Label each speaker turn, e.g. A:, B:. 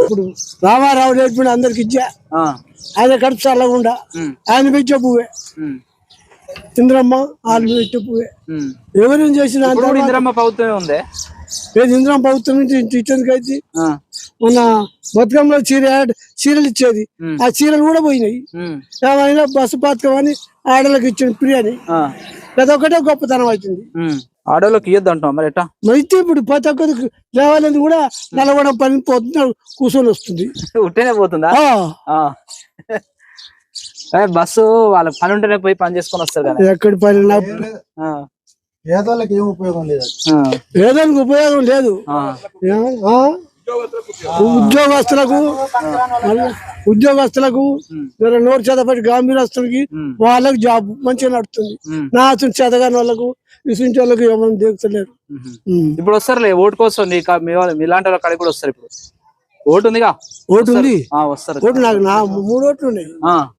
A: ఇప్పుడు రామారావు నేర్పిన అందరికి ఇచ్చా ఆయన కడుపు చల్లకుండా ఆయన పెట్టే పువ్వే ఇంద్రమ్మ వాళ్ళు పెట్టే పువ్వే ఎవరేం చేసిన
B: ఇంద్రమ్మ ప్రభుత్వమే ఉంది.
A: ఏది ఇంద్రమ్మ ప్రభుత్వం నుంచి ఇచ్చేందుకైతే మొన్న బతుకమ్మలో చీరలు ఇచ్చేది ఆ చీరలు కూడా పోయినాయి. ఏమైనా బస్సు పథకం అని ఆడలకు ఇచ్చిన ఫ్రీ అని అదొకటే గొప్పతనం అవుతుంది.
B: ఆడోళ్ళకి ఇయ్యద్దు అంటాం మరి ఎట్టా
A: అయితే ఇప్పుడు ప్రతి ఒక్కరికి లేవాలని కూడా నలగడం పని పోతున్నా కూర్చొని వస్తుంది.
B: ఉట్టేనే పోతుందా? బస్సు వాళ్ళ పని ఉంటేనే పోయి పని చేసుకొని వస్తారు కదా.
A: ఎక్కడి పని పేదోళ్ళకి ఏం ఉపయోగం లేదు. పేదోళ్ళకి ఉపయోగం లేదు. ఉద్యోగస్తులకు నోరు చేతపట్టి గాంభీరస్తులకి వాళ్ళకి జాబ్ మంచిగా నడుతుంది. నా చేతగాని వాళ్ళకు విసించే వాళ్ళకి ఏమైనా దిగుతలేరు.
B: ఇప్పుడు వస్తారు ఓటు కోసం మీలాంటి వాళ్ళ కాడికి కూడా వస్తారు. ఇప్పుడు ఓటు ఉందిగా?
A: ఓటు ఉంది.
B: వస్తారు.
A: ఓటు నాకు 3 ఓట్లు ఉన్నాయి.